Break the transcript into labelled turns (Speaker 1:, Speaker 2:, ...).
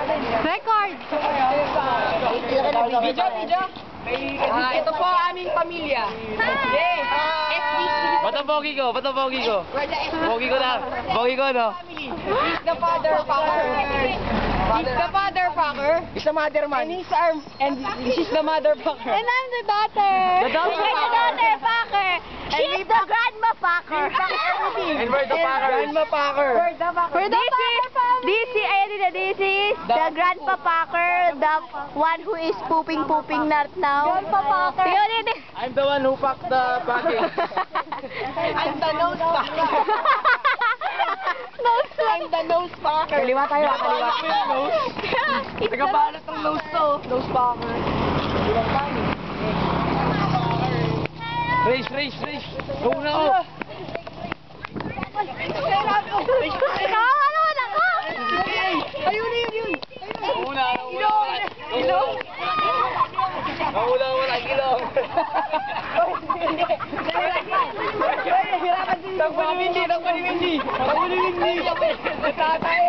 Speaker 1: Record!
Speaker 2: Video. Ito po ang aming pamilya. Yay!
Speaker 3: Ba't ang pogi ko? Ba't ang pogi ko? Pogi ko lang. Pogi ko, no?
Speaker 2: He's the father fucker. He's the father fucker. He's the mother man. And she's the mother fucker.
Speaker 1: And I'm the daughter.
Speaker 3: The daughter
Speaker 1: I'm the daughter fucker. She's the grandma fucker.
Speaker 3: And we're the fuckers.
Speaker 2: Grandma fucker.
Speaker 1: This is the grandpa fucker, the one who is pooping not now. Grandpa fucker.
Speaker 3: I'm the one who packed the packing.
Speaker 2: I'm the nose fucker. I'm the nose fucker.
Speaker 1: Kaliwa tayo, kaliwa.
Speaker 2: Nagabalot ng nose to. Nose fucker.
Speaker 3: Race. Go na ako.
Speaker 1: Nakakaroon ako!
Speaker 2: Ayun.
Speaker 3: Nauna. Ilong.
Speaker 2: Takbo ni Windy. Natatay.